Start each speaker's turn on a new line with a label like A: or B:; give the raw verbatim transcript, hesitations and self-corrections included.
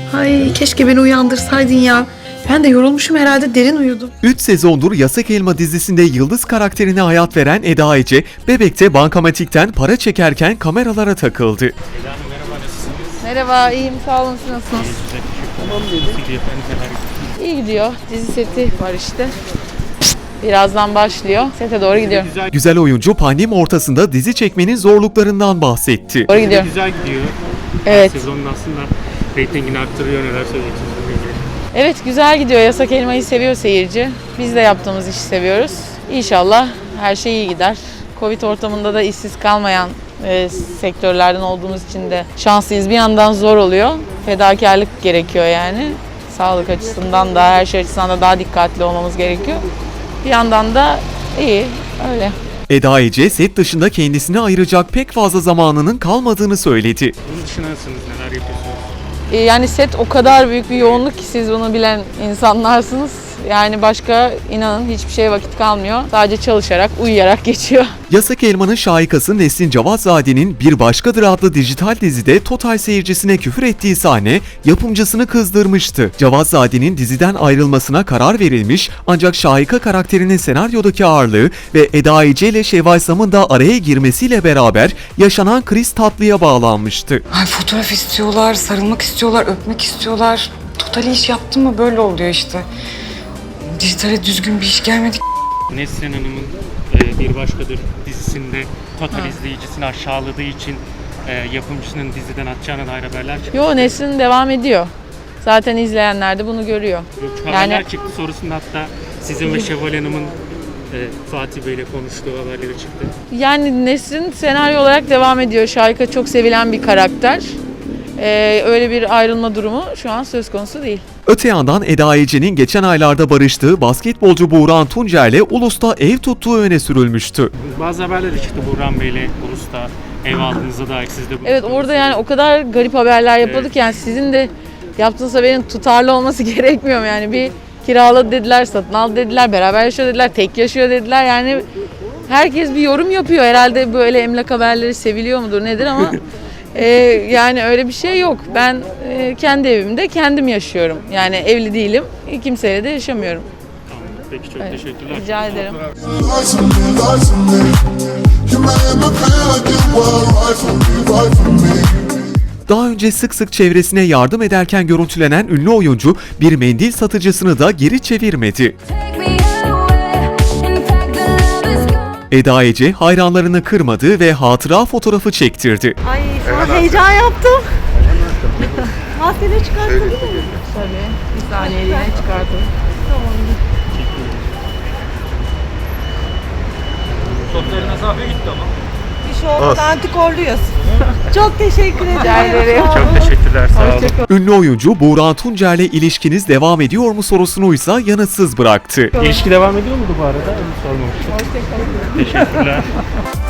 A: Ay keşke beni uyandırsaydın ya. Ben de yorulmuşum herhalde, derin uyudum.
B: üç sezondur Yasak Elma dizisinde Yıldız karakterine hayat veren Eda Ece, Bebek'te bankamatikten para çekerken kameralara takıldı.
C: Eda Hanım merhaba, nasılsınız?
D: Merhaba, iyiyim. Sağ olun. Siz nasılsınız?
C: Güzel, teşekkür ederim. Nasıl gidiyor efendim, neler yapıyorsunuz?
D: İyi gidiyor. Dizi seti var işte. Birazdan başlıyor. Sete doğru gidiyorum.
C: Güzel,
B: Güzel oyuncu pandemi ortasında dizi çekmenin zorluklarından bahsetti.
D: Doğru gidiyorum.
C: güzel gidiyor.
D: Evet.
C: Sezonun aslında reytingini arttırıyor, neler söyleyeceksiniz bununla ilgili?
D: Evet, güzel gidiyor. Yasak Elma'yı seviyor seyirci. Biz de yaptığımız işi seviyoruz. İnşallah her şey iyi gider. Covid ortamında da işsiz kalmayan e, sektörlerden olduğumuz için de şanslıyız. Bir yandan zor oluyor. Fedakarlık gerekiyor yani. Sağlık açısından da, her şey açısından da daha dikkatli olmamız gerekiyor. Bir yandan da iyi, öyle.
B: Eda Ece, set dışında kendisine ayıracak pek fazla zamanının kalmadığını söyledi.
C: Bunun dışında nasılsınız, neler yapıyorsunuz?
D: E, Yani set o kadar büyük bir yoğunluk ki siz bunu bilen insanlarsınız. Yani başka inanın hiçbir şeye vakit kalmıyor. Sadece çalışarak, uyuyarak geçiyor.
B: Yasak Elma'nın şahikası Nesrin Cevatzade'nin Bir Başkadır adlı dijital dizide total seyircisine küfür ettiği sahne yapımcısını kızdırmıştı. Cevatzade'nin diziden ayrılmasına karar verilmiş, ancak şahika karakterinin senaryodaki ağırlığı ve Eda Ece ile Şevval Sam'ın da araya girmesiyle beraber yaşanan kriz tatlıya bağlanmıştı.
E: Ay fotoğraf istiyorlar, sarılmak istiyorlar, öpmek istiyorlar. Total iş yaptım mı böyle oluyor işte. Dijitale düzgün bir iş gelmedi.
C: Nesrin Hanım'ın e, Bir Başkadır dizisinde total izleyicisini aşağıladığı için e, yapımcısının diziden atacağına dair haberler çıktı.
D: Yo, Nesrin devam ediyor. Zaten izleyenler de bunu görüyor.
C: Yok,
D: Yani-
C: haberler çıktı, sonrasında hatta sizin ve Şevval Hanım'ın e, Fatih Bey'le konuştuğu haberleri çıktı.
D: Yani Nesrin senaryo olarak devam ediyor. Şahika çok sevilen bir karakter. Ee, öyle bir ayrılma durumu şu an söz konusu değil.
B: Öte yandan Eda Ece'nin geçen aylarda barıştığı basketbolcu Buğra Tuncer ile Ulus'ta ev tuttuğu öne sürülmüştü.
C: Bazı haberler de çıktı, Burhan Bey'le Ulus'ta ev aldığınıza dair, siz de bu.
D: Evet, orada yani o kadar garip haberler yapıyorduk
C: Evet.
D: yani sizin de yaptığınız haberin tutarlı olması gerekmiyor mu? Yani bir kiraladı dediler, satın aldı dediler, beraber yaşıyor dediler, tek yaşıyor dediler. Yani herkes bir yorum yapıyor. Herhalde böyle emlak haberleri seviliyor mudur nedir ama e, yani öyle bir şey yok. Ben e, kendi evimde kendim yaşıyorum. Yani evli değilim, kimseyle de yaşamıyorum.
C: Tamam, peki çok
D: Evet.
C: teşekkürler.
D: Rica ederim.
F: Lies on me, lies on me. You made me feel like it was right for me, right for me.
B: Daha önce sık sık çevresine yardım ederken görüntülenen ünlü oyuncu bir mendil satıcısını da geri çevirmedi. Eda Ece hayranlarını kırmadı ve hatıra fotoğrafı çektirdi.
G: Ay şu an heyecan yaptım. Maskeni çıkarttın değil mi?
D: Tabii. Bir saniyeliğine çıkartalım.
H: Sosyal mesafe gitti ama.
G: Bir şey olmadı, antikorluyuz. Çok teşekkür ederim.
D: Rica ederim.
G: Sağ olun.
C: Çok teşekkürler, sağ olun.
D: Hoşçakalın.
B: Ünlü oyuncu Buğra Tuncer'le ilişkiniz devam ediyor mu sorusunu ise yanıtsız bıraktı.
C: İlişki devam ediyor muydu bu arada? Onu sormamıştım. Hoşçakalın. Teşekkürler.